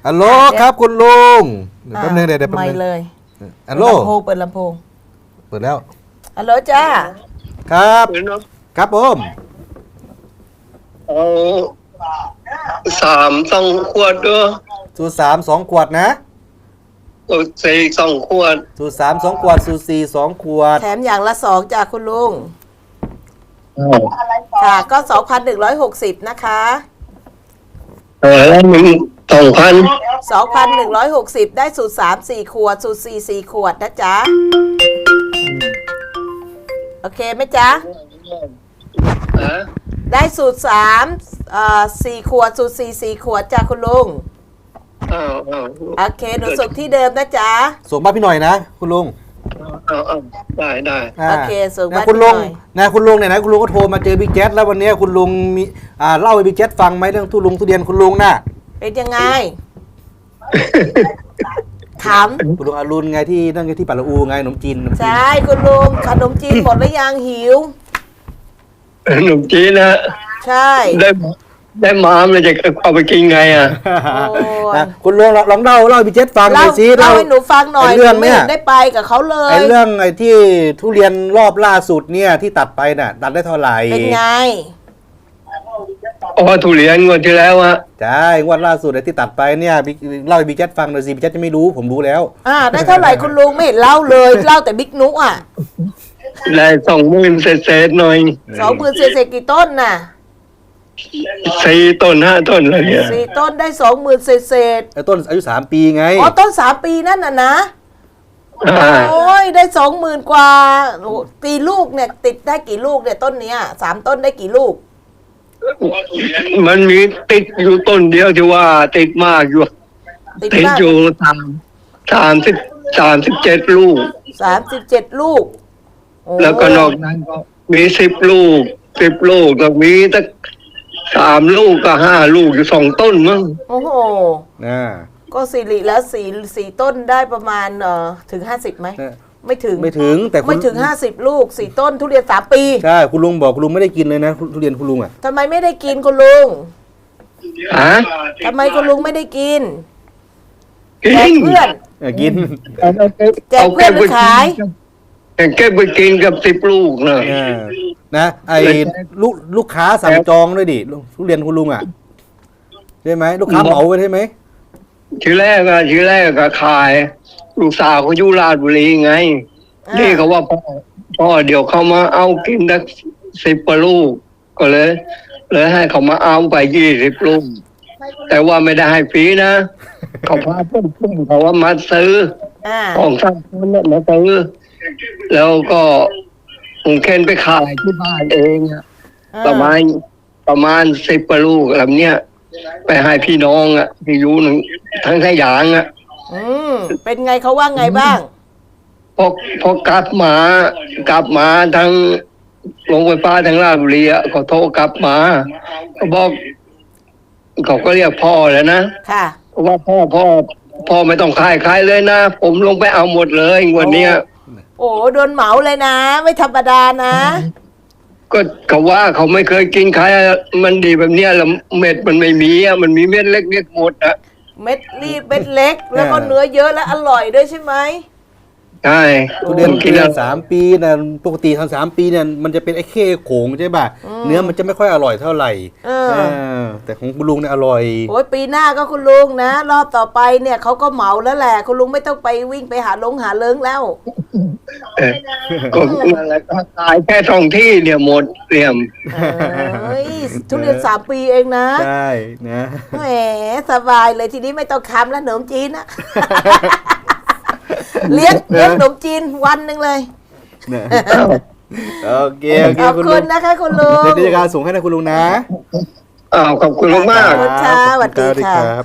ฮัลโหลครับคุณลุงเดี๋ยวแป๊บนึงเดี๋ยวแป๊บไม่นึงเลยฮัลโหลเปิดลำโพงเปิดแล้วฮัลโหลจ้าครับครับผมเอา3 2 ขวดด้วยสูตร3 2 ขวดนะ 4 2 ขวดสูตร3 2 ขวดสูตร4 2 ขวดแถมอย่างละ2จากคุณลุงค่ะก็ 2,160 นะคะแล้วมึง2,000 2,160 ได้สูตร3 4 ขวด สูตร4 4 ขวดนะจ๊ะโอเคไหมจ๊ะฮะได้สูตร4 ขวด สูตร4 4 ขวดจากคุณลุงอ้าวโอเคหนูส่งที่เดิมนะจ๊ะส่งบ้านพี่หน่อยนะคุณลุงได้โอเคส่งบ้านคุณลุงพี่หน่อยนะคุณลุงเนี่ยนะคุณลุงก็โทรมาเจอบิ๊กแจ๊ดแล้ววันนี้คุณลุงมีเล่าให้บิ๊กแจ๊ดฟังไหมเรื่องทุเรียนคุณลุงน่ะเป็นยังไง ถามคุณลุงอรุณไงที่นั่นไงที่ปัตตาอูไงขนมจีนใช่คุณลุงขนมจีนหมดหรือยังหิวหนุ่มจีนนะใช่ได้มามันจะเอาไปกินไงอ่ะโอ้ยนะคุณลุงลองเล่าให้บิ๊กแจ๊ดฟังหน่เล่าอยสิเล่าให้หนูฟังหน่อยไอ้เรื่องหนูไม่เนี่ยเห็นได้ไปกับเขาเลไอ้ยเรื่องไอ้ที่ทุเรียนรอบล่าสุดเนี่ยที่ตัดไปน่ะตัดได้เท่าไหร่เป็นไงอ๋อทุเรียนงวดที่แล้วอะใช่งวดล่าสุดไอ้ที่ตัดไปเนี่ยเล่าให้บิ๊กแจ๊ดฟังหน่อยสิบิ๊กแจ๊ดจะไม่รู้ผมรู้แล้วได้เท่าไหร่คุณลุงไม่เห็นเล่าเลยเล่าแต่บิ๊กนุอ่ะได้20,000เศษหน่อย 20,000เศษๆกี่ต้นน่ะ 4 ต้น 5 ต้นอะไรเนี่ย 4 ต้นได้ 20,000เศษไอ้ต้นอายุ3 ปีไงๆอ๋อต้น3 ปีนั่นน่ะนะอ่าโอ้ยได้ 20,000 กว่าโอ้ตีลูกเนี่ยติดได้กี่ลูกเนี่ยต้นเนี้ย3 ต้นได้กี่ลูกมันมีติดอยู่ต้นเดียวที่ว่าติดมากอยู่ติดติดมากอยู่37 ลูก 37 ลูกโอ้แล้วก็นอกนั้นก็มี10 ลูกแล้วมีตั้ง3 ลูกก็5 ลูกอยู่2 ต้นมั้งโอ้โหนะก็สิริแล้ว4ต้นได้ประมาณถึง50ไหม ไม่ถึงไม่ถึงแต่คุณไม่ถึง50 ลูก4 ต้นทุเรียน3 ปีใช่คุณลุงบอกคุณลุงไม่ได้กินเลยนะทุเรียนคุณลุงอ่ะทำไมไม่ได้กินคุณลุงฮะทำไมคุณลุงไม่ได้กินกิแจกนเพื่อนกินแจกเพื่อนหรือขายเก็บไปกินกับ10 ลูกนะนะไอ้ลูกค้าสั่งจองด้วยดิทุเรียนคุณลุงอ่ะใช่ไหมลูกค้าเหมาไปใช่ไหมทีแรกก็ขาย ลูกสาวเขาอยู่ราชบุรีไง นี่เขาว่าพ่อเดี๋ยวเขามาเอากินสัก10 กว่าลูก ก็เลยให้เขามาเอาไป20 ลูก แต่ว่าไม่ได้ให้ฟรีนะ เขาพาเพื่อนเขาว่ามาซื้ออ่าของท่านคนนั้นมาซื้อแล้วก็ผมเค้นไปขายที่บ้านเองอะประมาณ10 กว่าลูกแบบเนี้ยไปให้พี่น้องอะที่อยู่ทั้งสยามอะเป็นไงเขาว่าไงบ้างพอกลับมาทางโรงไฟฟ้าทางราชบุรีอะเขาโทรกลับมาเขาบอกเขาก็เรียกพ่อแล้วนะค่ะว่าพ่อไม่ต้องขายเลยนะ ผมลงไปเอาหมดเลยวันเนี้ยโอ้โดนเหมาเลยนะ ไม่ธรรมดานะก็เขาว่าเขาไม่เคยกินขายมันดีแบบเนี้ยแล้วเม็ดมันไม่มีอะมันมีเม็ดเล็กๆหมดอะเม็ดรีบเม็ดเล็ก แล้วก็เนื้อเยอะและอร่อยด้วยใช่ไหมใช่ทุเรียน3 ปีนะปกติทำ3 ปีเนี่ยมันจะเป็นไอ้เข้โขงใช่ป่ะเนื้อมันจะไม่ค่อยอร่อยเท่าไหร่แต่ของคุณลุงเนี่ยอร่อยโอ้ยปีหน้าก็คุณลุงนะ รอบต่อไปเนี่ยเขาก็เหมาแล้วแหละ คุณลุงไม่ต้องไปวิ่งไปหาเลิงแล้วก็นั่นแหละก็ขายแค่2 ที่เนี่ยหมดเรียมเฮ้ยทุเรียน3 ปีเองนะใช่นะแหมสบายเลยทีนี้ไม่ต้องคำแล้วขนมจีนนะ เลี้ยงขนมจีนวันหนึ่งเลยโอเคขอบคุณนะคะคุณลุงเดี๋ยวจะการส่งให้นะคุณลุงนะขอบคุณมากขอบคุณค่ะสวัสดีค่ะ